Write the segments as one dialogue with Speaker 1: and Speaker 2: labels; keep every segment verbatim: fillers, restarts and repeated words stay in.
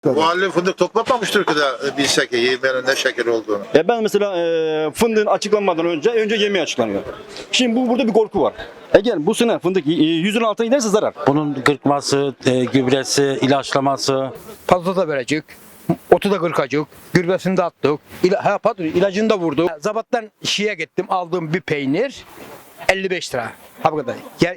Speaker 1: Bu halde fındık toplamamıştır ki de bilsek ki yemeğinin ne şeker olduğunu.
Speaker 2: Ya ben mesela e, fındığın açıklanmadan önce önce yemeği açıklanıyor. Şimdi bu burada bir korku var. Eğer bu sene fındık e, yüzün altına giderse zarar.
Speaker 3: Bunun kırkması, e, gübresi, ilaçlaması.
Speaker 4: Fazla da verecek. Otu da kırkacak. Gürbesini de attık. İla, ha, pardon, ilacını da vurduk. Zabattan şiye gittim. Aldığım bir peynir elli beş lira. Ha bu kadar. Ya,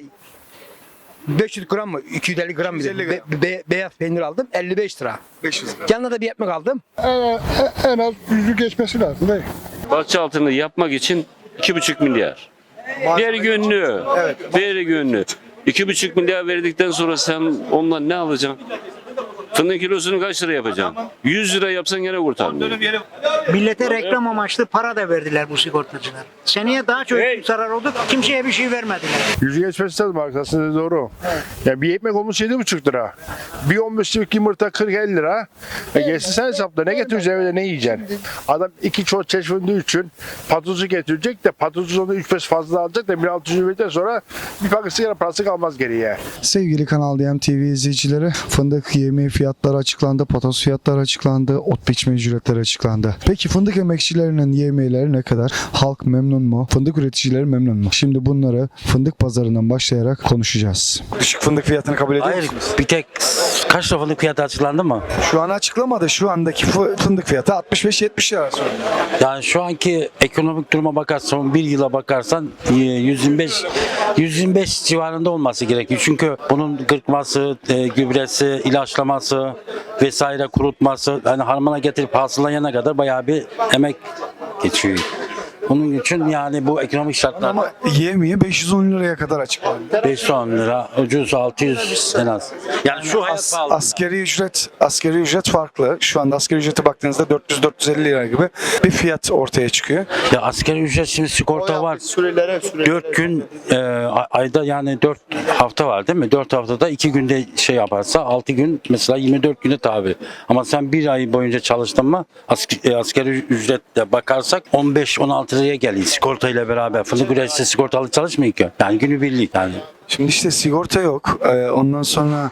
Speaker 4: beş yüz gram mı? iki yüz elli gram mı? Be, be, beyaz peynir aldım. elli beş lira.
Speaker 1: beş yüz lira.
Speaker 4: Yanına da bir ekmek aldım.
Speaker 5: En, en az yüzü geçmesi lazım değil.
Speaker 6: Bahçe altını yapmak için iki buçuk milyar. Bir günlüğü. Bir günlüğü. iki buçuk milyar verdikten sonra sen ondan ne alacaksın? Fındığın kilosunu kaç lira yapacaksın? yüz lira yapsan gene kurtarmıyor.
Speaker 7: Millete reklam amaçlı para da verdiler bu sigortacılar. Seneye daha çok
Speaker 6: Hey.
Speaker 7: zarar oldu. Kimseye bir şey vermediler.
Speaker 5: Yüzü geçmesi lazım arkasında doğru. Ya bir ekmek olmuş yedi buçuk lira. Bir on beş liralık yumurta kırk elli lira. E geçsin sen hesapla ne getireceksin evde ne yiyeceksin? Adam iki çocuk çeşminde için patozu getirecek de patozu onu üç beş fazla alacak da bir altı yüz verdikten sonra bir paket sigara parası kalmaz geriye.
Speaker 8: Sevgili Kanal D M T V izleyicileri, fındık yemeği fiyatları açıklandı, patos fiyatları açıklandı, ot biçme ücretleri açıklandı. Peki fındık emekçilerinin yemeğleri ne kadar? Halk memnun mu? Fındık üreticileri memnun mu? Şimdi bunları fındık pazarından başlayarak konuşacağız. Düşük fındık fiyatını kabul ediyor
Speaker 3: Hayır,
Speaker 8: musunuz?
Speaker 3: bir tek kaç lira fındık fiyatı açıklandı mı?
Speaker 8: Şu an açıklamadı. Şu andaki fı- fındık fiyatı altmış beş yetmiş lira söyleniyor.
Speaker 3: Yani şu anki ekonomik duruma bakarsan, bir yıla bakarsan e, yüz yirmi beş yüz yirmi beş civarında olması gerekiyor. Çünkü bunun kırkması, e, gübresi, ilaçlaması vesaire kurutması, yani harmana getirip hasılayana kadar bayağı bir emek geçiyor. Bunun için yani bu ekonomik şartlarda
Speaker 8: Ama yemeği beş yüz on liraya kadar açıklandı.
Speaker 3: beş yüz on lira, ucuz altı yüz en az. Yani şu hayat
Speaker 8: As,
Speaker 3: pahalı.
Speaker 8: askeri ücret askeri ücret farklı. Şu anda askeri ücrete baktığınızda dört yüz dört yüz elli lira gibi bir fiyat ortaya çıkıyor.
Speaker 3: Ya asgari ücret şimdi sigorta var.
Speaker 1: Sürelere sürelere.
Speaker 3: dört gün e, a- ayda yani dört hafta var değil mi? dört haftada iki günde şey yaparsa altı gün mesela yirmi dört güne tabi. Ama sen bir ay boyunca çalıştın mı ask, e, asgari ücretle bakarsak on beş on altı liraya geliyor sigortayla beraber. Fındık üreticisi sigortalı çalışmıyor ki. Yani günübirlik yani.
Speaker 8: Şimdi işte sigorta yok. Ee, ondan sonra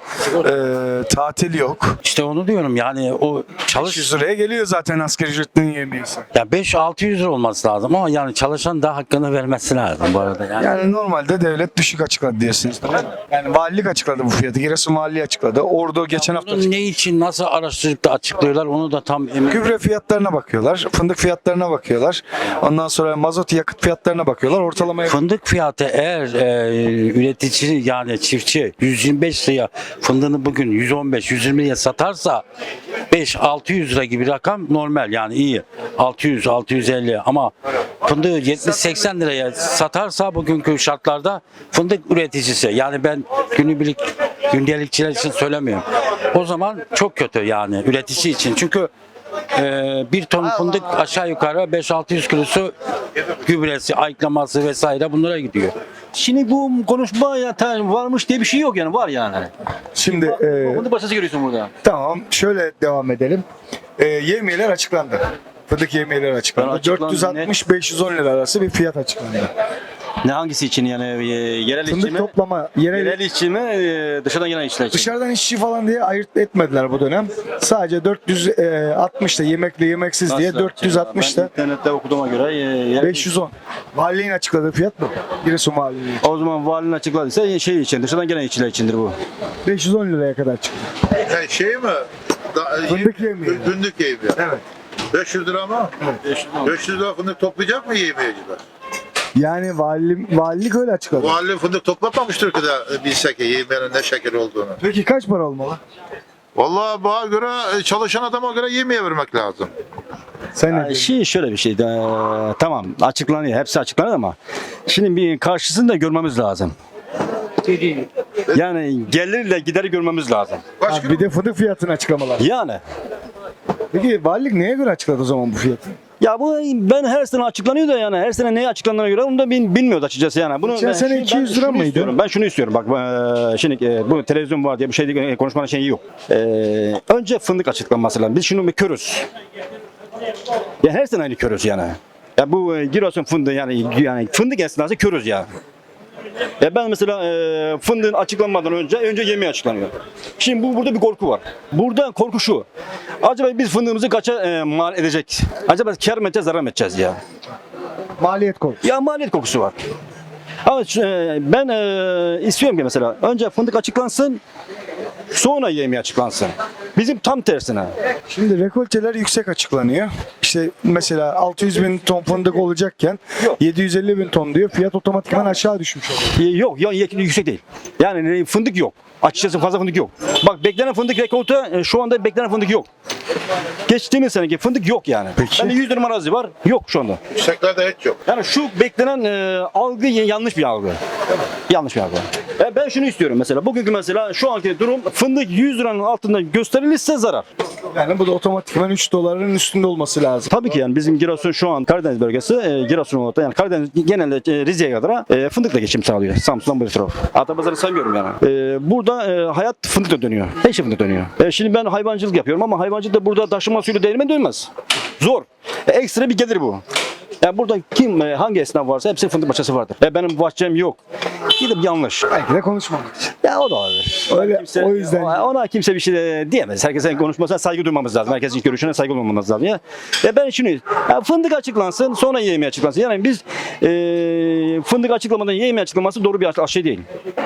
Speaker 8: e, tatil yok.
Speaker 3: İşte onu diyorum yani o
Speaker 8: beş yüz
Speaker 3: çalış
Speaker 8: liraya geliyor zaten asgari ücretin yemeğisi.
Speaker 3: ya beş altı yüz lira olması lazım ama yani çalışan da hakkını vermesi lazım bu arada yani.
Speaker 8: Yani normalde devlet düşük açıkladı diyorsunuz değil mi? Yani valilik açıkladı bu fiyatı. Giresun Valiliği açıkladı. Ordu geçen hafta
Speaker 3: Bunun
Speaker 8: açıkladı.
Speaker 3: ne için nasıl araştırıp da açıklıyorlar onu da tam emin.
Speaker 8: Gübre fiyatlarına bakıyorlar. Fındık fiyatlarına bakıyorlar. Ondan sonra mazot yakıt fiyatlarına bakıyorlar. Ortalamaya
Speaker 3: Fındık fiyatı eğer e, üretici yani çiftçi yüz yirmi beş liraya fındığını bugün yüz on beş yüz yirmi liraya satarsa beş altı yüz lira gibi rakam normal yani iyi. altı yüz altı yüz elli ama fındığı yetmiş seksen liraya satarsa bugünkü şartlarda fındık üreticisi yani ben günübirlik gündelikçiler için söylemiyorum. O zaman çok kötü yani üretici için. Çünkü e, bir ton fındık aşağı yukarı beş altı yüz kilosu gübresi, ayıklaması vesaire bunlara gidiyor.
Speaker 2: Şimdi bu konuşma ya ta- varmış diye bir şey yok yani var yani.
Speaker 8: Şimdi e,
Speaker 2: Bunu başkası görüyorsun burada.
Speaker 8: tamam şöyle devam edelim. E, yemeğler açıklandı. Fındık yemeğleri açıklandı.
Speaker 2: Ben açıklandı,
Speaker 8: dört yüz altmış beş yüz on lira arası bir fiyat açıklandı.
Speaker 2: Ne hangisi için yani e, yerel işçi
Speaker 8: Fındık
Speaker 2: mi?
Speaker 8: toplama yerel,
Speaker 2: Yerel işçi mi e, dışarıdan gelen işçiler için?
Speaker 8: dışarıdan işçi falan diye ayırt etmediler bu dönem. Sadece dört yüz altmış da yemekli yemeksiz diye
Speaker 2: Nasıl
Speaker 8: dört yüz altmış
Speaker 2: Ben
Speaker 8: da
Speaker 2: internette okuduğuma göre e, yerel-
Speaker 8: beş yüz on. Valiliğin açıkladığı fiyat bu. Giresun Valiliği.
Speaker 2: O zaman valinin açıkladıysa şey için dışarıdan gelen işçiler içindir bu.
Speaker 8: beş yüz on liraya kadar çıktı.
Speaker 1: Yani şey mi? Da,
Speaker 8: Fındık yemeği.
Speaker 1: Fındık yemeği.
Speaker 8: Evet.
Speaker 1: beş yüz lira mı? beş yüz lira fındık toplayacak mı yemeğiciler?
Speaker 8: Yani vali, valilik öyle açıkladı.
Speaker 1: Bu halde fındık toplamamıştır ki de bilsek ki yemeğinin ne şeker olduğunu.
Speaker 8: Peki kaç para olmalı?
Speaker 1: Vallahi bana göre çalışan adama göre yemeğe vermek lazım.
Speaker 8: Sen ne
Speaker 2: Yani
Speaker 8: diyorsun?
Speaker 2: şey şöyle bir şey. e, tamam açıklanıyor. Hepsi açıklanıyor ama şimdi bir karşısını da görmemiz lazım. Yani gelirle gideri görmemiz lazım.
Speaker 1: Kaç
Speaker 8: Ha,
Speaker 1: kilo?
Speaker 8: bir de fındık fiyatını açıklamalar.
Speaker 2: Yani
Speaker 8: Peki valilik neye göre açıkladı o zaman bu fiyatı?
Speaker 2: ya bu ben her sene açıklanıyor da yani her sene neye açıklandığına göre onu da bin, bilmiyoruz açıkçası yani. Bunu
Speaker 8: Geçen
Speaker 2: ben-
Speaker 8: sene
Speaker 2: şimdi
Speaker 8: iki yüz
Speaker 2: ben
Speaker 8: lira
Speaker 2: şunu
Speaker 8: mıydı?
Speaker 2: istiyorum, Ben şunu istiyorum bak e, şimdi e, bu televizyon var diye bir şey değil, konuşmanın şeyi yok. E, önce fındık açıklanması lazım. Biz şunu bir körüz. Ya her sene aynı körüz yani. Ya bu e, Giresun fındığı yani yani fındık esnası körüz ya. E ben mesela e, fındığın açıklanmadan önce önce yemeği açıklanıyor. Şimdi bu burada bir korku var. Burada korku şu. Acaba biz fındığımızı kaça e, mal edecek? Acaba kar mı edeceğiz, zarar mı edeceğiz ya?
Speaker 8: Maliyet korkusu.
Speaker 2: Ya maliyet kokusu var. Ama e, ben e, istiyorum ki mesela önce fındık açıklansın, sonra yemeği açıklansın. Bizim tam tersine.
Speaker 8: Şimdi rekolteler yüksek açıklanıyor. İşte mesela altı yüz bin ton fındık olacakken yedi yüz elli bin ton diyor. Fiyat otomatikman aşağı düşmüş oluyor.
Speaker 2: E, Yok, ya yüksek değil. Yani fındık yok. Açıkçası fazla fındık yok. Bak beklenen fındık rekolte e, şu anda beklenen fındık yok. Geçtiğimiz seneki fındık yok yani.
Speaker 8: Peki.
Speaker 2: Bende yüz dönüm arazi var. Yok şu anda.
Speaker 1: Yükseklerde hiç yok.
Speaker 2: Yani şu beklenen e, algı y- yanlış bir algı. Yanlış bir algı. E, ben şunu istiyorum mesela. Bugünkü mesela şu anki durum fındık yüz liranın altında gösterilirse zarar.
Speaker 8: Yani bu da otomatikman üç doların üstünde olması lazım.
Speaker 2: Tabii ki yani bizim Giresun şu an Karadeniz bölgesi e, Giresun olarak da yani Karadeniz genelde e, Rize'ye kadar e, fındıkla geçim sağlıyor. Samsun'dan bu taraf. Atapazarı saymıyorum yani. E, burada e, hayat fındıkla dönüyor. Her şey fındık dönüyor. E, şimdi ben hayvancılık yapıyorum ama hayvancılık da burada taşıma suyla değirmen dönmez. Zor. E, ekstra bir gelir bu. Yani burada kim e, hangi esnaf varsa hepsi fındık bahçesi vardır. E, benim bahçem yok. Gidip yanlış.
Speaker 8: Belki de konuşmamak için.
Speaker 2: Ya o da olabilir.
Speaker 8: Öyle,
Speaker 2: Kimse-
Speaker 8: o yüzden
Speaker 2: ona, ona kimse bir şey de diyemez. Herkesin konuşmasına saygı duymamız lazım. Herkesin görüşüne saygı duymamız lazım. Ya. Ve ben şunu, ya fındık açıklansın, sonra yemeği açıklansın. Yani biz e, fındık açıklamadan yemeği açıklaması doğru bir şey değil.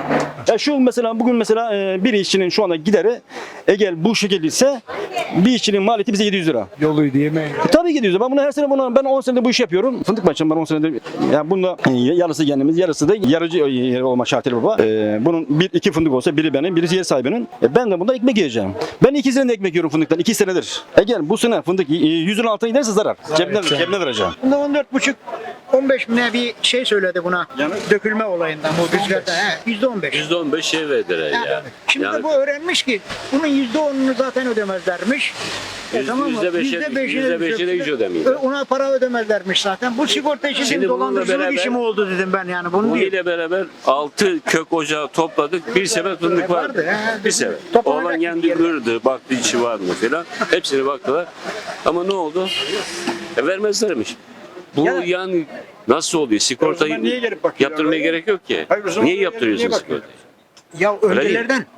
Speaker 2: Ya şu mesela bugün mesela e, bir işçinin şu anda gideri eğer bu şekilde ise bir işçinin maliyeti bize yedi yüz lira.
Speaker 8: yoluydu yemeği.
Speaker 2: E, tabii ki yedi yüz lira. Ben bunu her sene bunu ben on senedir bu işi yapıyorum. Fındık başım ben on senedir. Yani bunda e, yarısı kendimiz, yarısı da yarıcı e, olma şartıyla baba. E, bunun bir iki fındık olsa biri benim, birisi yer sahibinin. E, ben de bunda ekmek yiyeceğim. Ben iki senedir ekmek yiyorum fındıktan. iki senedir. Eğer bu sene fındık e, yüzün altına giderse zarar. Cebine, cebine vereceğim.
Speaker 7: Bunda on dört buçuk on beş bine bir şey söyledi buna. Dökülme olayından bu rüzgarda. He, yüzde on beş.
Speaker 6: yüzde on beş şey verdiler
Speaker 7: Yani
Speaker 6: ya.
Speaker 7: Şimdi
Speaker 6: Yani
Speaker 7: de bu öğrenmiş ki bunun yüzde onunu zaten ödemezlermiş. E
Speaker 6: Yüz-
Speaker 7: tamam mı?
Speaker 6: yüzde beşi-
Speaker 7: Yüzde beşini
Speaker 6: yüzde beşini hiç ödemiyor.
Speaker 7: Ö- Ona para ödemezlermiş zaten. Bu sigorta işi
Speaker 6: Şimdi
Speaker 7: dedim,
Speaker 6: bununla
Speaker 7: dolandırıcılık
Speaker 6: beraber-
Speaker 7: işi mi oldu dedim ben yani. Bunu
Speaker 6: Bunun
Speaker 7: değil.
Speaker 6: ile beraber altı kök ocağı topladık. Bir sepet fındık
Speaker 7: Vardı,
Speaker 6: vardı.
Speaker 7: he.
Speaker 6: Bir sepet.
Speaker 7: Toplanacak
Speaker 6: Oğlan
Speaker 7: bir
Speaker 6: kendi
Speaker 7: yer.
Speaker 6: kırdı, baktı içi var mı falan. Hepsini baktılar. Ama ne oldu? E, vermezlermiş. Bu
Speaker 7: Ya-
Speaker 6: yani nasıl oluyor? Sigortayı
Speaker 7: zaman niye gelip bakıyorlar
Speaker 6: yaptırmaya
Speaker 7: öyle?
Speaker 6: gerek yok ki.
Speaker 7: Hayır, o zaman
Speaker 6: Niye
Speaker 7: niye
Speaker 6: yaptırıyorsun
Speaker 7: bakıyor?
Speaker 6: sigortayı?
Speaker 7: Ya
Speaker 6: Öyle değil.
Speaker 7: öncelerden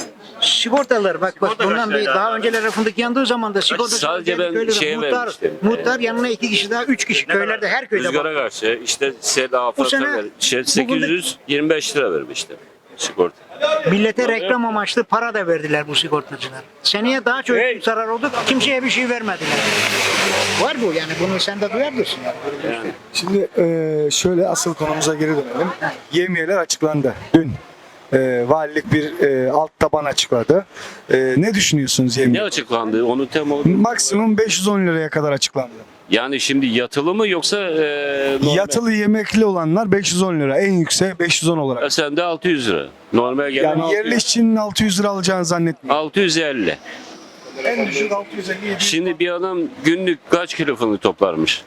Speaker 7: sigortalar bak bak bundan bir daha öncelere fındık yandığı zaman da sigorta
Speaker 6: Sadece ben
Speaker 7: köylerde
Speaker 6: şeye
Speaker 7: muhtar,
Speaker 6: vermiştim.
Speaker 7: muhtar yanına iki kişi daha üç kişi köylerde her köyde
Speaker 6: Rüzgara
Speaker 7: bak.
Speaker 6: karşı işte sel afata
Speaker 7: sene
Speaker 6: ver. Şey,
Speaker 7: bu
Speaker 6: sekiz yüz yirmi beş lira vermiştim sigorta.
Speaker 7: Millete reklam amaçlı para da verdiler bu sigortacılar. Seneye daha çok zarar oldu. Kimseye bir şey vermediler. Var bu yani bunu sen de duyabilirsin. Yani.
Speaker 8: Şimdi e, şöyle asıl konumuza geri dönelim. Yemiyeler açıklandı. Dün e, valilik bir e, alt taban açıkladı. E, ne düşünüyorsunuz
Speaker 6: Ne
Speaker 8: yemiye?
Speaker 6: açıklandı? Onu tem olarak.
Speaker 8: Maksimum beş yüz on liraya kadar açıklandı.
Speaker 6: Yani şimdi yatılı mı yoksa e, normal?
Speaker 8: Yatılı yemekli olanlar beş yüz on lira. En yüksek beş yüz on olarak.
Speaker 6: Ya sen de altı yüz lira. Normal gelen
Speaker 8: Yani yerli işçinin altı yüz lira alacağını zannetmiyorum.
Speaker 6: altı yüz elli.
Speaker 8: En düşük altı yüz elli yedi.
Speaker 6: Şimdi bir adam günlük kaç kilo fındık toplarmış?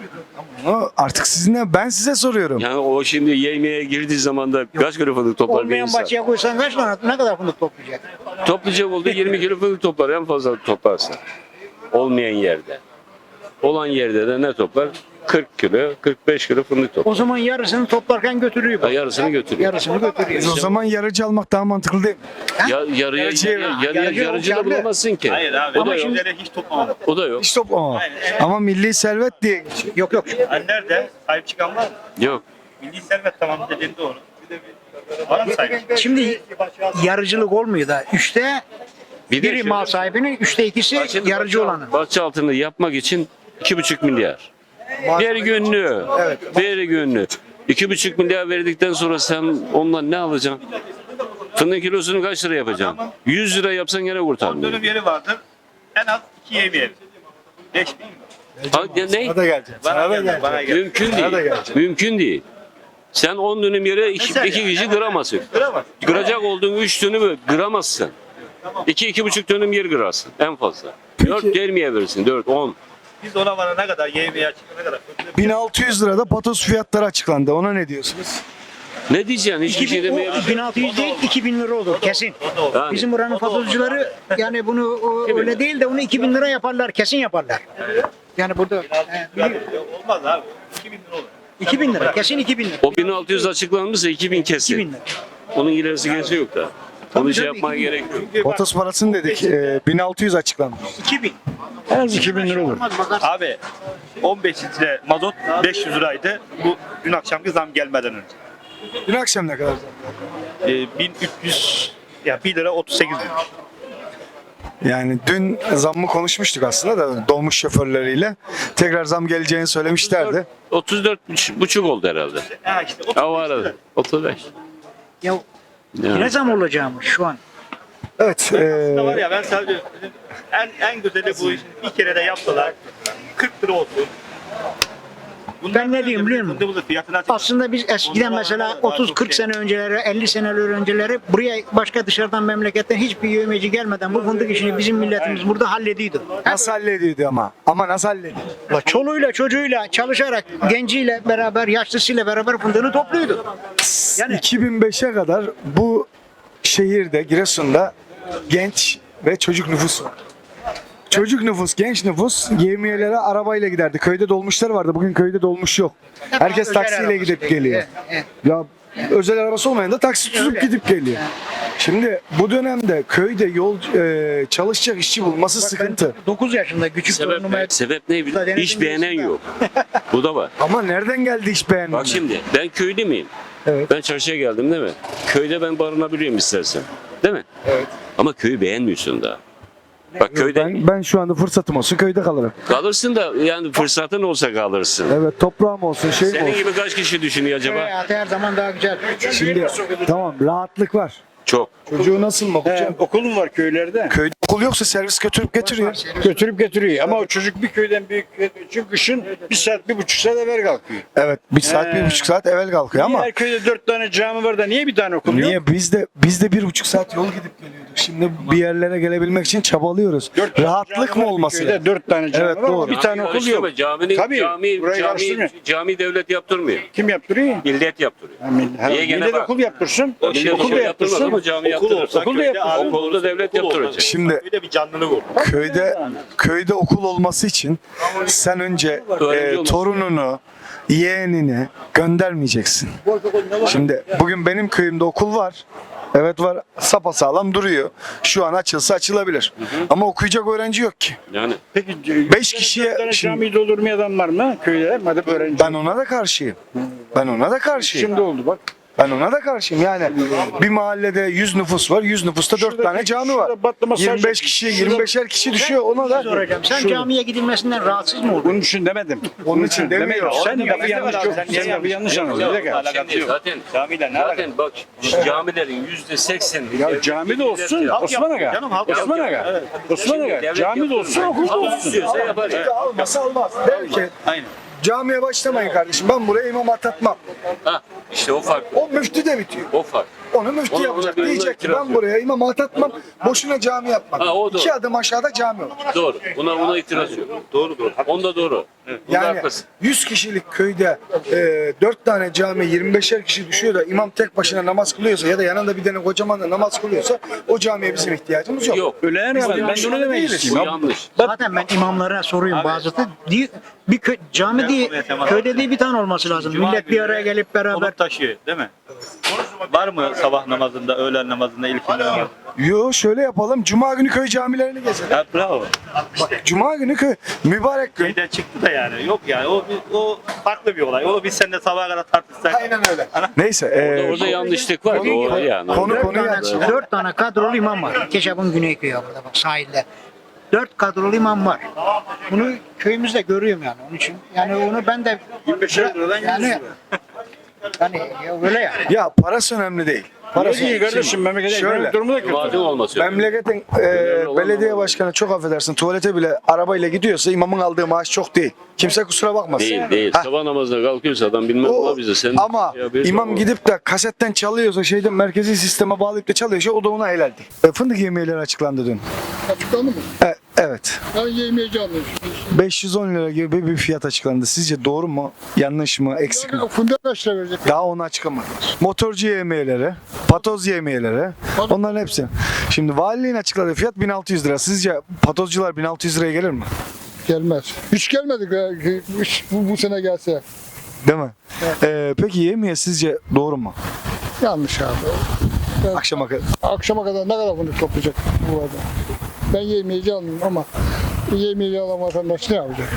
Speaker 8: Onu artık sizinle ben size soruyorum.
Speaker 6: Yani o şimdi yemeğe girdiği zaman da kaç kilo fındık toplar bir
Speaker 7: Olmayan
Speaker 6: insan?
Speaker 7: bahçeye koysan kaç tane ne kadar fındık toplayacak?
Speaker 6: Toplayacak olduğu yirmi kilo fındık toplar en fazla toplarsa. Olmayan yerde. Olan yerde de ne toplar? kırk kilo, kırk beş kilo fındık toplar.
Speaker 7: O zaman yarısını toplarken götürüyor.
Speaker 6: Ha,
Speaker 7: bak.
Speaker 6: yarısını götürüyor.
Speaker 7: Yarısını götürüyor.
Speaker 8: O zaman yarıcı almak daha mantıklı değil mi?
Speaker 6: Ya, yarıya,
Speaker 8: Yarıcı-
Speaker 6: yarıya, yarıya,
Speaker 7: yarıcı
Speaker 6: yarıcı da
Speaker 7: olacak.
Speaker 6: bulamazsın ki.
Speaker 9: Hayır abi.
Speaker 6: O da
Speaker 9: Ama
Speaker 6: yok.
Speaker 9: şimdi hiç toplamadım.
Speaker 6: O da yok.
Speaker 8: Hiç toplama. Ama milli servet diye geçiyor.
Speaker 7: Yok yok.
Speaker 9: Hani nerede? Sahip çıkan var mı?
Speaker 6: Yok.
Speaker 9: Milli servet tamam dediğin doğru. Bir de bir var mı sahip?
Speaker 7: Şimdi yarıcılık olmuyor da. Üçte
Speaker 6: Bir de
Speaker 7: biri
Speaker 6: şöyle-
Speaker 7: mal sahibinin, üçte ikisi
Speaker 6: Şimdi
Speaker 7: yarıcı
Speaker 6: bahçe-
Speaker 7: olanın.
Speaker 6: Bahçe altını yapmak için iki buçuk milyar. Bir günlüğü. Bir günlüğü. İki buçuk milyar verdikten sonra sen ondan ne alacaksın? Fındığın kilosunu kaç lira yapacaksın? Yüz lira yapsan gene kurtarmıyor.
Speaker 9: Dönüm yeri vardır. En az iki yemeği. Beş bin mi?
Speaker 6: Ha, ya ne?
Speaker 8: Sana da gelecek.
Speaker 9: Bana
Speaker 8: Sana da
Speaker 9: geldi,
Speaker 8: gelecek.
Speaker 9: bana geldi.
Speaker 6: Mümkün
Speaker 8: Sana da
Speaker 6: değil.
Speaker 8: gelecek.
Speaker 6: Mümkün değil. Sen on dönüm yere iki,
Speaker 9: Mesela
Speaker 6: iki kişi kıramazsın.
Speaker 9: Kıramaz.
Speaker 6: Kıracak olduğun üç dönümü kıramazsın. İki, iki buçuk dönüm yer kırarsın en fazla. Dört gelmeye verirsin. Dört, on.
Speaker 9: Biz ona varana kadar yemeği açıklayana kadar.
Speaker 8: bin altı yüz lirada patos fiyatları açıklandı. Ona ne diyorsunuz?
Speaker 6: Ne diyeceksin? Hiçbir şey demeye
Speaker 7: bin altı yüz değil iki bin lira olur kesin.
Speaker 6: Yani.
Speaker 7: Bizim buranın fatozcuları yani bunu o, öyle değil de onu iki bin lira yaparlar kesin yaparlar. Yani burada e, biliyorum.
Speaker 9: Olmaz abi. iki bin lira olur.
Speaker 7: iki bin lira. Kesin iki bin lira.
Speaker 6: O bin altı yüz açıklanmışsa iki bin
Speaker 7: iki bin
Speaker 6: kesin.
Speaker 7: lira.
Speaker 6: Onun ilerisi gerisi yok da. Onu şey
Speaker 7: tabii,
Speaker 6: yapmaya
Speaker 7: iki bin.
Speaker 6: gerek yok.
Speaker 8: Potos parasını dedik. E, bin altı yüz açıklandı.
Speaker 7: iki bin.
Speaker 5: En az iki bin lira olur.
Speaker 7: Olmaz bakarsın.
Speaker 9: Abi on beş litre mazot beş yüz liraydı. Bu dün akşamki zam gelmeden önce.
Speaker 8: Dün akşam ne kadar?
Speaker 9: Ee, bin üç yüz ya bir lira otuz sekiz kuruş.
Speaker 8: Yani dün zammı konuşmuştuk aslında da dolmuş şoförleriyle. Tekrar zam geleceğini söylemişlerdi.
Speaker 6: otuz dört buçuk oldu herhalde.
Speaker 9: Ha işte
Speaker 6: Ha o arada. otuz beş.
Speaker 7: Ya
Speaker 6: Yani.
Speaker 7: ne zam olacağımız şu an.
Speaker 8: Evet.
Speaker 9: da var
Speaker 8: E,
Speaker 9: ya ben sadece en en güzeli bu iş. Bir kere de yaptılar. kırk lira olsun.
Speaker 7: Ben ne diyeyim biliyor musun?
Speaker 9: Fındığımızın fiyatını açık.
Speaker 7: Aslında biz eskiden mesela otuz kırk sene önceleri, elli seneler önceleri buraya başka dışarıdan memleketten hiçbir yövmeci gelmeden bu fındık işini bizim milletimiz burada hallediyordu.
Speaker 8: nasıl hallediyordu ama? Ama nasıl hallediyordu?
Speaker 7: La çoluğuyla çocuğuyla çalışarak genciyle beraber yaşlısıyla beraber fındığını topluyordu. Yani
Speaker 8: iki bin beşe kadar bu şehirde, Giresun'da genç ve çocuk nüfus var. Çocuk nüfus, genç nüfus yevmiyelere arabayla giderdi. Köyde dolmuşlar vardı. Bugün köyde dolmuş yok. Herkes
Speaker 7: özel
Speaker 8: taksiyle
Speaker 7: arabası
Speaker 8: gidip
Speaker 7: peki.
Speaker 8: geliyor.
Speaker 7: Evet,
Speaker 8: Ya özel arabası olmayan da taksi tutup gidip geliyor. Şimdi bu dönemde köyde yol e, çalışacak işçi bulması sıkıntı.
Speaker 7: dokuz yaşında küçük torunuma
Speaker 6: Sebep, sebep ne biliyor musun? İş beğenen yok. Bu da var.
Speaker 8: Ama nereden geldi iş beğenmeme?
Speaker 6: Bak şimdi ben köylü müyüm?
Speaker 8: Evet.
Speaker 6: Ben çarşıya geldim değil mi? Köyde ben barınabiliyorum istersen. Değil mi? Evet. Ama köyü beğenmiyorsun daha. Bak köyde
Speaker 8: Ben, ben şu anda fırsatım olsun köyde kalırım.
Speaker 6: kalırsın da yani fırsatın olsa kalırsın.
Speaker 8: Evet, toprağım olsun, şeyim
Speaker 6: Senin
Speaker 8: olsun.
Speaker 6: gibi kaç kişi düşünüyor acaba?
Speaker 7: hayatı her zaman daha güzel.
Speaker 8: Şimdi tamam, rahatlık var.
Speaker 6: Çok.
Speaker 8: Çocuğu nasıl mı okuyacak?
Speaker 5: Okulum var köylerde.
Speaker 8: Köyde okul yoksa servis götürüp getiriyor.
Speaker 5: Götürüp getiriyor ama o çocuk bir köyden büyük için kışın bir saat, bir buçuk saat evvel kalkıyor.
Speaker 8: Evet, bir saat, bir
Speaker 5: Ee,
Speaker 8: buçuk saat evvel kalkıyor ama
Speaker 5: Her köyde dört tane cami var da niye bir tane okul yok?
Speaker 8: niye biz de biz de bir buçuk saat yol gidip geliyorduk. Şimdi bir yerlere gelebilmek için çabalıyoruz.
Speaker 5: Dört tane
Speaker 8: Rahatlık
Speaker 5: cami
Speaker 8: mı
Speaker 5: var bir
Speaker 8: olması
Speaker 5: köyde,
Speaker 8: lazım?
Speaker 5: dört tane cami
Speaker 8: Evet,
Speaker 5: var ama
Speaker 8: doğru.
Speaker 5: bir tane okul yok.
Speaker 6: Karıştırma, Caminin,
Speaker 5: Tabii,
Speaker 6: cami,
Speaker 5: burayı
Speaker 6: cami,
Speaker 5: karıştırmıyor.
Speaker 6: cami devlet yaptırmıyor.
Speaker 5: Kim yaptırıyor?
Speaker 6: Millet yaptırıyor.
Speaker 5: Ha, mil- ha,
Speaker 6: Niye gene
Speaker 5: millet
Speaker 6: bak?
Speaker 5: okul yaptırsın.
Speaker 6: Millet
Speaker 5: okul
Speaker 6: okul
Speaker 5: da
Speaker 6: yaptırmaz
Speaker 5: yaptırsın.
Speaker 6: ama cami yaptırır.
Speaker 9: olsa
Speaker 5: Okul da
Speaker 9: köyde
Speaker 5: yaptırsın.
Speaker 9: abi,
Speaker 6: Okulu da devlet
Speaker 9: okul olsa
Speaker 6: yaptıracak.
Speaker 8: Şimdi
Speaker 9: köyde bir canlılık olur.
Speaker 8: köyde köyde okul olması için sen önce
Speaker 6: Öğrenci
Speaker 8: e,
Speaker 6: olması.
Speaker 8: torununu, yeğenini göndermeyeceksin. Şimdi bugün benim köyümde okul var. Evet var, sapasağlam duruyor. Şu an açılsa açılabilir. Ama okuyacak öğrenci yok ki.
Speaker 6: Yani
Speaker 5: Peki
Speaker 8: Beş kişiye
Speaker 5: dört tane
Speaker 8: şimdi-
Speaker 5: camiyi doldurmayan adam var mı köyde? Madem öğrenci.
Speaker 8: Ben ona da karşıyım. Ben ona da karşıyım.
Speaker 5: Şimdi oldu bak.
Speaker 8: Ben ona da karşıyım. Yani bir mahallede yüz nüfus var. yüz nüfusta dört
Speaker 5: Şurada-
Speaker 8: tane cami var.
Speaker 5: şurada batlama
Speaker 8: yirmi beş
Speaker 5: sadece-
Speaker 8: kişi, yirmi beşer kişi düşüyor. Ona da
Speaker 7: Soracağım. Sen
Speaker 8: Şurada.
Speaker 7: camiye gidilmesinden rahatsız mı oldun?
Speaker 5: Bunun için demedim.
Speaker 8: Onun için demiyor.
Speaker 5: Sen
Speaker 9: Oğlum,
Speaker 5: lafı yanlış yok.
Speaker 9: sen niye
Speaker 5: Sen lafı yanlış anladın. Bir dakika.
Speaker 6: şimdi zaten
Speaker 9: Camiyle ne alakası?
Speaker 6: zaten bak camilerin yüzde sekseni
Speaker 5: Ya cami de olsun Osman Aga.
Speaker 9: Canım, halk
Speaker 5: Osman
Speaker 9: yapıyor.
Speaker 5: Aga. Osman
Speaker 6: Şimdi
Speaker 5: Aga.
Speaker 6: devlet
Speaker 5: Cami de olsun, okul da olsun.
Speaker 6: istiyorsa yapar.
Speaker 8: Almasa almaz. Belki
Speaker 9: Aynen.
Speaker 8: camiye başlamayın kardeşim. Ben buraya imam atatmam.
Speaker 6: Ha, işte o fark.
Speaker 8: O müftü de bitiyor.
Speaker 6: O fark.
Speaker 8: Onu müftü
Speaker 6: Ona-
Speaker 8: yapacak.
Speaker 6: ona bir
Speaker 8: Diyecek ki
Speaker 6: itiraz
Speaker 8: ben
Speaker 6: yok.
Speaker 8: buraya imam atatmam. Boşuna cami yapmam.
Speaker 6: Ha, o doğru.
Speaker 8: İki adım aşağıda cami olur.
Speaker 6: Doğru. Buna buna itiraz yok. Doğru doğru. Onda doğru. Evet. Bunda
Speaker 8: Yani
Speaker 6: haklısın.
Speaker 8: yüz kişilik köyde e, dört tane cami yirmi beşer kişi düşüyor da imam tek başına namaz kılıyorsa ya da yanında bir tane kocaman da namaz kılıyorsa o camiye bizim ihtiyacımız yok.
Speaker 6: Yok.
Speaker 5: Öyle yani ben de onu demek
Speaker 6: Bu
Speaker 5: istiyorum.
Speaker 6: yanlış.
Speaker 7: Zaten ben imamlara soruyorum bazısı. Di- Bir kö- cami diye, köyde değil bir tane olması lazım.
Speaker 9: Cuma
Speaker 7: Millet bir
Speaker 9: günü
Speaker 7: araya gelip beraber.
Speaker 9: Konuk taşıyor değil mi? Var mı sabah namazında, öğlen namazında, ilk namazında?
Speaker 8: Yo, şöyle yapalım. Cuma günü köy camilerini gezelim.
Speaker 9: Ya bravo.
Speaker 8: Bak, Cuma günü köy mübarek gün.
Speaker 9: Şeyden çıktı da yani. Yok yani o, o farklı bir olay. O biz seninle sabaha kadar tartışsak.
Speaker 8: Aynen öyle. Neyse.
Speaker 6: Orada,
Speaker 8: E,
Speaker 6: orada yanlışlık var. Doğru yani.
Speaker 8: konu
Speaker 7: Dört
Speaker 8: konuyu
Speaker 7: tane,
Speaker 8: aç.
Speaker 7: dört tane kadrolu imam var. Keşap'ın Güneyköy'ü burada bak sahilde. Dört kadrolu imam var. Bunu köyümüzde görüyorum yani onun için. Yani onu ben de
Speaker 5: yirmi beşer liradan yüz
Speaker 7: yani,
Speaker 5: lira.
Speaker 7: yani ya öyle yani.
Speaker 8: Ya parası önemli değil. Parası
Speaker 5: Parası iyi kardeşim memlekete
Speaker 8: Şöyle.
Speaker 5: ekonomik durumu da kötü.
Speaker 6: Madem olması.
Speaker 8: Memleketin e, belediye başkanı çok affedersin tuvalete bile arabayla gidiyorsa imamın aldığı maaş çok değil. Kimse kusura bakmasın.
Speaker 6: Değil değil.
Speaker 8: Ha,
Speaker 6: Sabah namazına kalkıyorsa adam bilmem
Speaker 8: o-
Speaker 6: ola bize. Sen
Speaker 8: ama
Speaker 6: şey yapıyorsun
Speaker 8: imam
Speaker 6: ama.
Speaker 8: gidip de kasetten çalıyorsa şeyden merkezi sisteme bağlayıp da çalıyorsa o da ona helal değil. E, fındık yemeğleri açıklandı dün.
Speaker 10: Açıklandı mı?
Speaker 8: E, evet.
Speaker 10: Ben yemeyeceğim.
Speaker 8: beş yüz on lira gibi bir fiyat açıklandı. Sizce doğru mu? Yanlış mı? Eksik mi?
Speaker 10: Yani fındık kaç lira verecek?
Speaker 8: Daha onu açıklamadı. Motorcu yemeğleri, patoz yemeğleri, onların hepsi. Şimdi valiliğin açıkladığı fiyat bin altı yüz lira. Sizce patozcular bin altı yüz liraya gelir mi?
Speaker 10: Gelmez. Hiç gelmedik ya. Hiç bu, bu sene gelse.
Speaker 8: Değil mi? Ee, peki yemeğe sizce doğru mu?
Speaker 10: Yanlış abi.
Speaker 8: Akşama kadar.
Speaker 10: Akşama kadar ne kadar fındık toplayacak bu arada? Ben yemeyeci almıyorum ama yemeyeci alan vatandaş ne yapacak?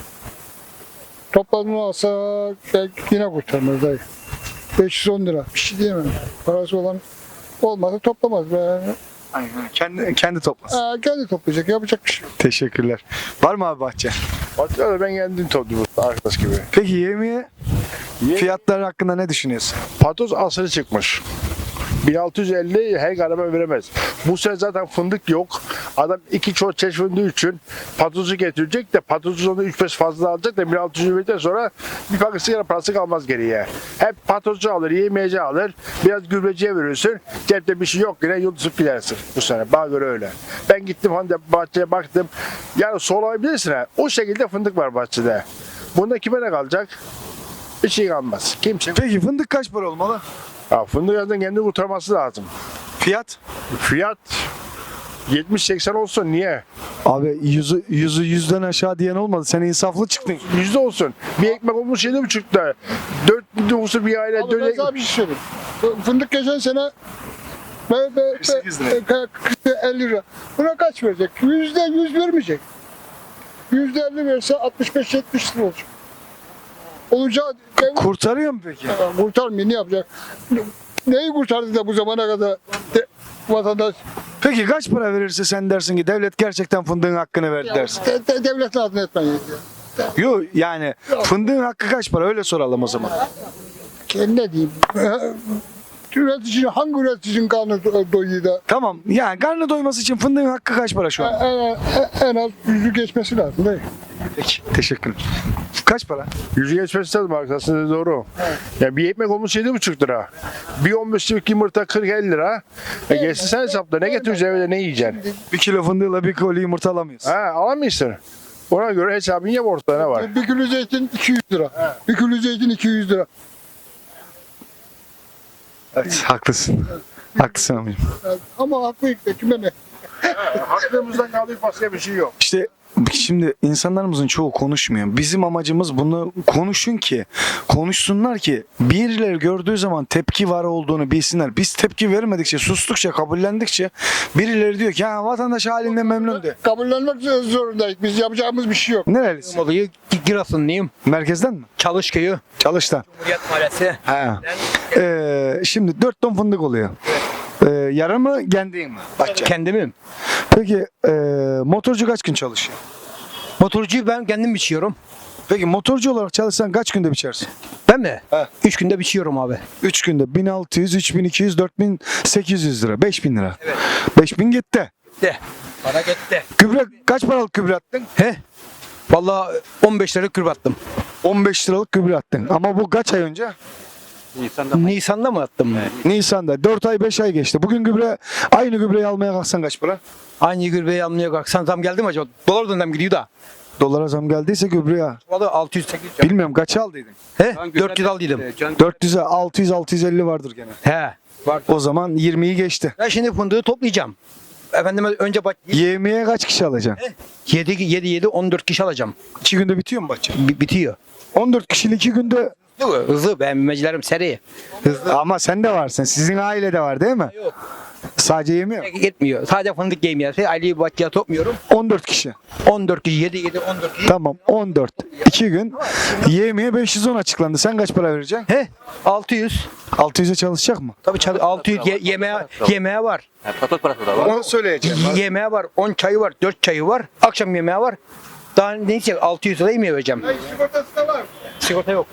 Speaker 10: Topladığını alsak belki yine kurtarmaz dayı. beş yüz on lira. Bir şey diyemem. Parası olan olmazsa toplamaz. be.
Speaker 8: Aynen. Kendi, kendi toplasın.
Speaker 10: Aa, kendi toplayacak. Yapacak bir şey yok.
Speaker 8: Teşekkürler. Var mı abi bahçe?
Speaker 5: Hatta ben kendim topluyorum arkadaş gibi.
Speaker 8: Peki yemeğe fiyatları hakkında ne düşünüyorsun?
Speaker 5: Patoz asırı çıkmış. bin altı yüz elli her araba veremez. Bu sene zaten fındık yok. Adam iki çort çeşit fındığı için patozu getirecek de patozu onu üç beş fazla alacak da bin altı yüz verdikten sonra bir paket sigara parası kalmaz geriye. Hep patozcu alır, yemeyeci alır, biraz gübreciye verirsin. Cepte bir şey yok yine yıldızıp gidersin bu sene. Bana göre öyle. Ben gittim hani bahçeye baktım. Yani solayabilirsin ha. O şekilde fındık var bahçede. Bunda kime ne kalacak? Bir şey kalmaz. Kimse.
Speaker 8: Peki fındık kaç para olmalı?
Speaker 5: Ya fındık yazdan kendini kurtarması lazım.
Speaker 8: Fiyat?
Speaker 5: Fiyat yetmiş seksen olsun niye?
Speaker 8: Abi yüzü, yüzü yüzden aşağı diyen olmadı. Sen insaflı çıktın.
Speaker 5: Yüzde olsun. Bir ekmek olmuş yedi buçukta. Dört nüfusu bir aile.
Speaker 10: Abi ben
Speaker 5: dört
Speaker 10: sana bir şey söyleyeyim. Fındık geçen sene be, be,
Speaker 8: kırk sekiz lira.
Speaker 10: be, kırk elli lira. Buna kaç verecek? Yüzde yüz vermeyecek. Yüzde elli verse altmış beş yetmiş lira olacak. Olacağı dev-
Speaker 8: Kurtarıyor mu peki?
Speaker 10: Ya, kurtarmıyor, ne yapacak? Neyi kurtardı da bu zamana kadar de, vatandaş?
Speaker 8: Peki kaç para verirse sen dersin ki devlet gerçekten fındığın hakkını verdi dersin.
Speaker 10: De, de, devletin adını etmeyin.
Speaker 8: Yok yani fındığın hakkı kaç para öyle soralım o zaman.
Speaker 10: Ne diyeyim? Üreticinin, hangi üreticinin karnı do- doyuyor da
Speaker 8: Tamam yani karnı doyması için fındığın hakkı kaç para şu an?
Speaker 10: en, en, en az yüzü geçmesi lazım değil mi?
Speaker 8: Peki teşekkür ederim. Kaç para?
Speaker 5: Yüzü geçmesi lazım arkadaşlar doğru. Ya bir ekmek olmuş yedi buçuk lira. Bir on beşlik yumurta kırk elli lira. E geçsin sen hesapla. Ne getireceksin evde ne yiyeceksin?
Speaker 8: Bir kilo fındığıyla bir koli yumurta alamıyorsun.
Speaker 5: Ha alamıyorsun. Ona göre hesabın yap ortada ne var?
Speaker 10: Bir kilo zeytin iki yüz lira. Bir kilo zeytin iki yüz lira.
Speaker 8: Evet haklısın. Haklısın amcım.
Speaker 10: Yani ama haklı da kime ne?
Speaker 5: Hakkımızdan kaldık başka bir şey yok.
Speaker 8: İşte şimdi insanlarımızın çoğu konuşmuyor. Bizim amacımız bunu konuşun ki, konuşsunlar ki birileri gördüğü zaman tepki var olduğunu bilsinler. Biz tepki vermedikçe, sustukça, kabullendikçe birileri diyor ki ha vatandaş halinden memnun de.
Speaker 10: Kabullenmek zorundayız. Biz yapacağımız bir şey yok.
Speaker 8: Nerelisin?
Speaker 4: Olayı Giresunluyum.
Speaker 8: Merkezden mi?
Speaker 4: Çalışköy'ü.
Speaker 8: Çalıştan.
Speaker 4: Cumhuriyet Mahallesi.
Speaker 8: Ha. Ee, şimdi dört ton fındık oluyor. Ee, yarı mı, kendin mi? Bahçe.
Speaker 4: Kendimim.
Speaker 8: Peki ee, motorcu kaç gün çalışıyor?
Speaker 4: Motorcuyu ben kendim biçiyorum.
Speaker 8: Peki motorcu olarak çalışsan kaç günde biçersin?
Speaker 4: Ben mi?
Speaker 8: He.
Speaker 4: Üç günde biçiyorum abi.
Speaker 8: üç günde bin altı yüz, üç bin iki yüz, dört bin sekiz yüz lira, beş bin lira.
Speaker 4: Evet.
Speaker 8: beş bin gitti.
Speaker 4: De. Para gitti.
Speaker 8: Gübre kaç paralık gübre attın?
Speaker 4: He? Vallahi on beş lira kürb attım.
Speaker 8: on beş liralık gübre attın. Ama bu kaç ay önce?
Speaker 4: Nisan'da mı attım?
Speaker 8: Nisan'da. dört ay beş ay geçti. Bugün gübre aynı gübreyi almaya kalksan kaç para?
Speaker 4: Aynı gübreyi almaya kalksan zam geldi mi acaba? Dolar dönem gidiyor da.
Speaker 8: Dolara zam geldiyse gübreye.
Speaker 4: Vallahi altı yüz sekiz yüz.
Speaker 8: Bilmiyorum kaç aldıydın?
Speaker 4: He? dört yüz aldıydım.
Speaker 8: dört yüze altı yüz altı yüz elli vardır gene.
Speaker 4: He. Var.
Speaker 8: O zaman yirmiyi geçti.
Speaker 4: Ben şimdi fındığı toplayacağım. Efendim önce bak
Speaker 8: Yemeğe kaç kişi alacaksın?
Speaker 4: yedi yedi yedi on dört kişi alacağım.
Speaker 8: iki günde bitiyor mu bahçe?
Speaker 4: B- bitiyor.
Speaker 8: on dört kişilik iki günde
Speaker 4: Hızlı, hızlı. Ben mecilerim seri. Hızlı.
Speaker 8: ama sen de varsın. Sizin ailede var değil mi?
Speaker 4: Yok.
Speaker 8: Sadece yemiyor.
Speaker 4: Gitmiyor. Sadece fındık yemiyor. Aileyi bahçeye topmuyorum.
Speaker 8: on dört kişi.
Speaker 4: on dört kişi yedi yedi on dört kişi.
Speaker 8: Tamam on dört. iki gün. Yemeğe beş yüz on açıklandı. Sen kaç para vereceksin?
Speaker 4: He? altı yüz.
Speaker 8: altı yüze çalışacak mı?
Speaker 4: Tabii çalı- altı yüz ye- yemeğe yemeğe var.
Speaker 8: Onu söyleyeceğim.
Speaker 4: Yemeğe var. on çayı var. dört çayı var. Akşam yemeği var. Daha neyse altı yüz lira yemeğe vereceğim.
Speaker 10: Sigortası da var.
Speaker 4: Sigorta yok.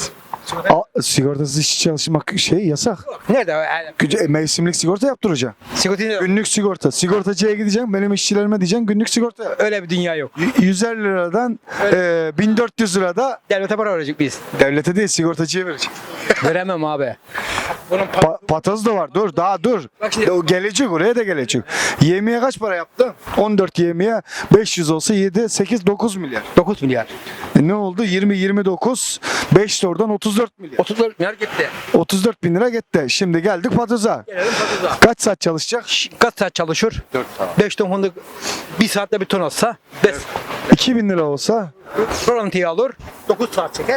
Speaker 8: A, sigortasız işçi çalışmak şey yasak.
Speaker 4: Nerede? Yani,
Speaker 8: Güce- Mevsimlik sigorta yaptıracaksın.
Speaker 4: sigorta yok.
Speaker 8: Günlük sigorta. Sigortacıya gideceksin. Benim işçilerime diyeceksin günlük sigorta yap.
Speaker 4: Öyle bir dünya yok.
Speaker 8: Y- yüz elli liradan e, bin dört yüz lirada
Speaker 4: Devlete para verecek biz.
Speaker 8: devlete değil sigortacıya vereceksin.
Speaker 4: Veremem abi. Bunun pa-
Speaker 8: Pa- patoz da var. Dur daha dur.
Speaker 4: Bak şimdi-
Speaker 8: O gelecek oraya da gelecek. Yemeğe kaç para yaptı? on dört yemeğe beş yüz olsa yedi, sekiz, dokuz milyar.
Speaker 4: dokuz milyar.
Speaker 8: E ne oldu? yirmi, yirmi dokuz, beş de oradan otuz dört milyar.
Speaker 4: otuz dört milyar gitti.
Speaker 8: otuz dört bin lira gitti. Şimdi geldik patoza.
Speaker 4: Gelelim pataza.
Speaker 8: Kaç saat çalışacak?
Speaker 4: Kaç saat çalışır? dört saat. beş ton fındık bir saatte bir ton atsa beş.
Speaker 8: iki bin lira olsa
Speaker 4: Rolantiyi alır. dokuz saat çeker.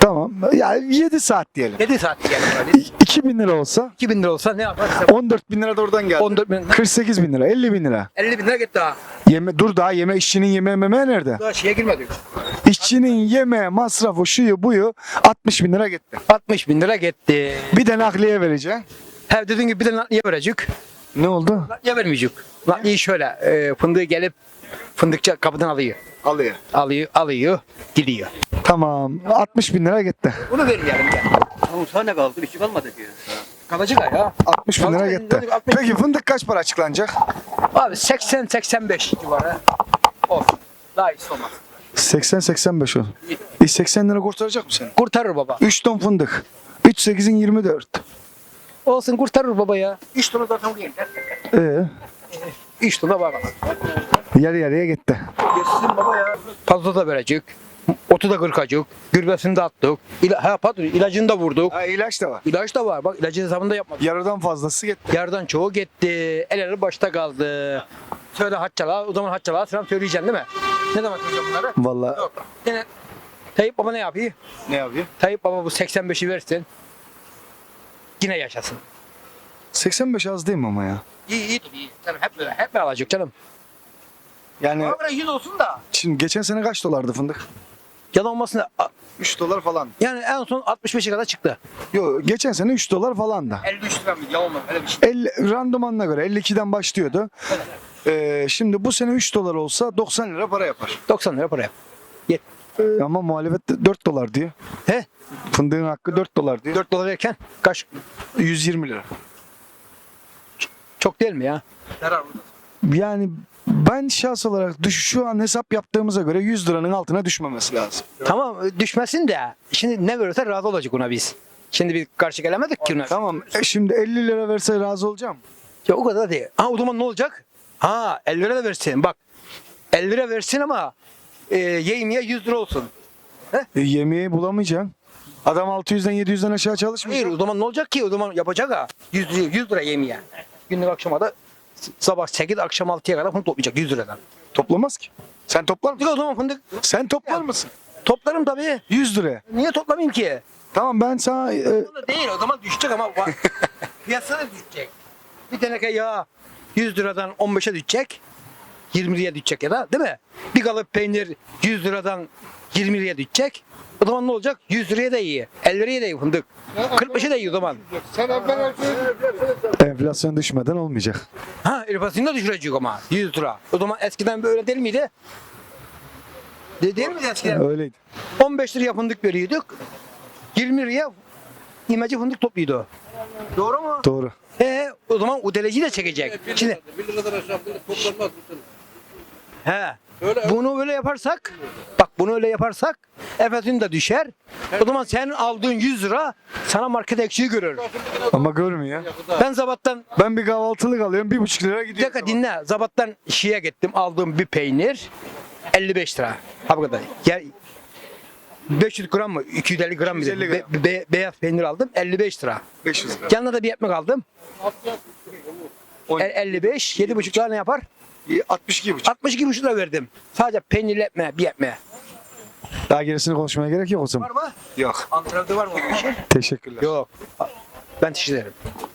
Speaker 8: Tamam. Yani yedi saat diyelim.
Speaker 4: yedi saat geldi böyle.
Speaker 8: iki bin lira olsa
Speaker 4: iki bin lira olsa ne yapar?
Speaker 8: on dört bin lira da oradan geldi.
Speaker 4: on dört bin,
Speaker 8: kırk sekiz bin lira, elli bin lira.
Speaker 4: elli bin lira gitti daha.
Speaker 8: Yeme, dur daha yeme işçinin yeme meme nerede?
Speaker 4: Daha şeye girmedik.
Speaker 8: İşçinin yeme masrafı şuyu buyu altmış bin lira gitti.
Speaker 4: altmış bin lira gitti.
Speaker 8: Bir de nakliye vereceksin.
Speaker 4: He dediğin gibi bir de nakliye verecek.
Speaker 8: Ne oldu?
Speaker 4: Nakliye vermeyecek. Nakliye şöyle e, fındığı gelip fındıkçı kapıdan alıyor.
Speaker 8: Alıyor.
Speaker 4: Alıyor, alıyor, gidiyor.
Speaker 8: Tamam. altmış bin lira gitti.
Speaker 4: Bunu vermeyelim ya.
Speaker 3: Tamam sana ne kaldı? Bir şey kalmadı diyor.
Speaker 4: Kalacak ya.
Speaker 8: altmış bin lira
Speaker 4: Vallahi
Speaker 8: gitti.
Speaker 4: altmış
Speaker 8: Peki fındık kaç para açıklanacak?
Speaker 4: Abi seksen seksen beş civarı olsun. Daha iyisi olmaz.
Speaker 8: seksen seksen beş o. E seksen lira kurtaracak mı seni?
Speaker 4: Kurtarır baba.
Speaker 8: üç ton fındık. üç sekizin yirmi dört.
Speaker 4: Olsun kurtarır baba ya. üç tonu zaten değil.
Speaker 8: Ee,
Speaker 4: üç tona baba.
Speaker 8: yarı yarıya gitti.
Speaker 4: Geçsin baba ya. Fazla da verecek. Otu da kırkacık. Gürbesini de attık. İla, ha pardon ilacını da vurduk.
Speaker 8: Ha, ilaç da var.
Speaker 4: İlaç da var. Bak ilacın hesabını da yapmadık.
Speaker 8: Yarıdan fazlası gitti.
Speaker 4: Yardan çoğu gitti. El ele başta kaldı. Söyle Haccala. O zaman Haccala selam söyleyeceksin değil mi? Ne zaman söyleyeceğim bunları?
Speaker 8: Vallahi
Speaker 4: Yok. Yine Tayyip Baba ne yapıyor?
Speaker 8: ne yapıyor?
Speaker 4: Tayyip Baba bu seksen beşi versin. Yine yaşasın.
Speaker 8: seksen beş az değil mi ama ya?
Speaker 4: İyi iyi. iyi. Canım hep böyle. Hep böyle alacak canım.
Speaker 8: Yani
Speaker 4: Ama böyle yüz olsun da.
Speaker 8: şimdi geçen sene kaç dolardı fındık?
Speaker 4: Yalan olmasın da. a-
Speaker 8: üç dolar falan.
Speaker 4: Yani en son altmış beşe kadar çıktı.
Speaker 8: Yok geçen sene üç dolar falan da.
Speaker 4: elli üç lira mıydı? Yalan olmaz. Öyle bir şey.
Speaker 8: elli, randımanına göre elli ikiden başlıyordu. Ee, şimdi bu sene üç dolar olsa doksan lira para yapar.
Speaker 4: doksan lira para yap.
Speaker 8: Ee, ama muhalefet de dört dolar diyor.
Speaker 4: He?
Speaker 8: Fındığın hakkı dört dolar diyor.
Speaker 4: dört dolar verirken kaç?
Speaker 8: yüz yirmi lira.
Speaker 4: Çok değil mi ya?
Speaker 8: Yani ben şahs olarak düş, şu an hesap yaptığımıza göre yüz liranın altına düşmemesi lazım.
Speaker 4: Tamam düşmesin de. Şimdi ne verirse razı olacak ona biz. Şimdi biz karşı gelemedik ki ona.
Speaker 8: Tamam e şimdi elli lira verse razı olacağım.
Speaker 4: Ya o kadar değil. Ha o zaman ne olacak? Ha elli lira da versin. Bak elli lira versin ama e, yemeye yüz lira olsun.
Speaker 8: E, yemeği bulamayacaksın. Adam altı yüzden yedi yüzden aşağı
Speaker 4: Hayır
Speaker 8: çalışmayacak.
Speaker 4: o zaman ne olacak ki? O zaman yapacak ha. yüz lira, yüz lira yemeye. Günlük akşama da sabah sekiz akşam altıya kadar bunu toplayacak yüz liradan.
Speaker 8: Toplamaz ki. Sen toplar mısın?
Speaker 4: O zaman fındık
Speaker 8: Sen toplar mısın?
Speaker 4: toplarım tabii.
Speaker 8: yüz liraya.
Speaker 4: Niye toplamayayım ki?
Speaker 8: Tamam ben sana e,
Speaker 4: O da değil o zaman düşecek ama va- piyasada düşecek. Bir teneke yağ yüz liradan on beşe düşecek. yirmi liraya düşecek ya da değil mi? Bir kalıp peynir yüz liradan yirmi liraya düşecek. O zaman ne olacak? yüz liraya da iyi. elli liraya da iyi fındık. kırk beşe de iyi o zaman.
Speaker 10: Sen evvel
Speaker 8: enflasyon düşmeden olmayacak.
Speaker 4: Ha enflasyonu da düşürecek ama yüz lira. O zaman eskiden böyle değil miydi? De, değil miydi eskiden?
Speaker 8: Öyleydi.
Speaker 4: on beş liraya fındık veriyorduk. yirmi liraya imece fındık topluyordu. Doğru mu?
Speaker 8: Doğru.
Speaker 4: He, o zaman o deleciyi de çekecek. Şimdi
Speaker 11: bir liradan aşağı fındık toplanmaz bu sene.
Speaker 4: he. Bunu öyle yaparsak, bak bunu öyle yaparsak enflasyon da düşer. O zaman senin aldığın yüz lira sana market eksiği görür.
Speaker 8: Ama görmüyor.
Speaker 4: Ben Zabat'tan
Speaker 8: Ben bir kahvaltılık alıyorum bir buçuk lira
Speaker 4: bir
Speaker 8: gidiyor.
Speaker 4: dakika dinle. Zabat'tan şeye gittim aldığım bir peynir elli beş lira. Ha bu kadar. Ya, beş yüz gram mı? iki yüz elli gram mı?
Speaker 8: iki yüz elli
Speaker 4: Be- be- beyaz peynir aldım elli beş lira.
Speaker 8: beş yüz lira.
Speaker 4: Yanına da bir ekmek aldım. El- elli beş, yedi buçuk lira ne yapar?
Speaker 8: altmış iki buçuk.
Speaker 4: altmış iki buçuk lira verdim. Sadece peynirli ekmeğe, bir ekmeğe.
Speaker 8: Daha gerisini konuşmaya gerek yok o zaman.
Speaker 4: Var mı?
Speaker 8: Yok.
Speaker 4: Antrenörde var mı?
Speaker 8: Teşekkürler.
Speaker 4: Yok. Ben teşekkür ederim.